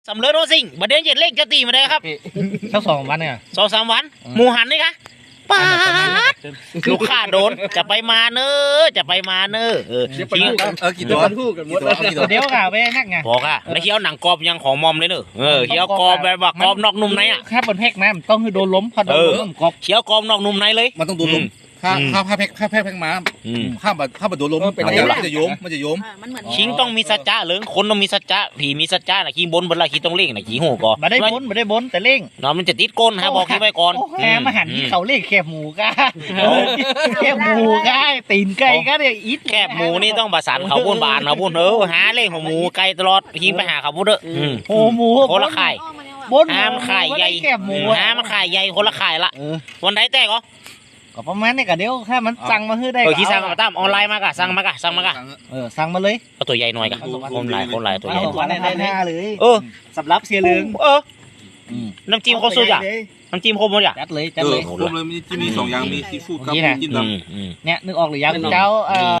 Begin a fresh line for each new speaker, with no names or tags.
สำเร็จโรซิงบัดเดือนเจ็ดเลขจะตีมาได้ครับ
สัก2 วันเนี่ย
2-3 วันหมูหันนี่คะป้าดลูกค้าโดนจะไปมาเนอะจะไปมาเนอะทิ้ง
กี่ตัวกี่ตัว
เดี๋ยวค่ะไปนักไง
บอกอะแล้วเคี้ยวหนังกรอบยังของมอมเลยเนอะเคี้ยวกรอบแบบว่ากรอบนอกนุ่มในอะ
ถ้าบนแพกนะมันต้องคือโดนล้มพอโดนล้มกรอบ
เคี้ยวกรอบนอกนุ่มในเลย
มันต้องโดนลมถ้าแพ็คมาถ้าโดนลมมันจะโยมมันจะโยม
มันเหมือน
คิงต้องมีสัจจะเหลืองคนต้องมีสัจจะผีมีสัจจะนะขี้บนบนละขี้ต้องเล่งนะขี้หูก่อน
มาได้บนแต่เร่ง
เนาะมันจะติดก้นฮะบอกขี้ไว้ก่อน
แหมมาหันที่เขาเล่งแคบหมูก้าแคบหมูก้าตีนไก่ก็เนี่ยอิด
แคบหมูนี่ต้องประสานเขาบุญบานเขาบุญหาเล่งของหมูไก่ตลอดขี้ไปหาเขาบุญเด้อ
โอ้หมู
คนละไข่
บน
ห้ามไข่ใหญ่
แคบหมู
ห้ามไข่ใหญ่คนละไข่ละวันไหนแตกเหรอ
ก็ประมาณนี้ก็เดี๋ยวถ้ามันสั่งมาให้ได้
ขี้สั่งมาตามออนไลน์มากะสั่งมากะสั่งมากะ
สั่งมาเลย
เอาตัวใหญ่หน่อยกะคนหลายตัวใหญ่
วันได้เลย
สำรับเสียเหลือง
น้ำจิ้มครบสุดอ่ะน้ำจิ้มครบหมดอ่ะ
จัดเลย
ผมเลยมี2 อย่างมีซีฟู้ดกับกินดำ
เนี่ยนึกออกหรือยังเจ้า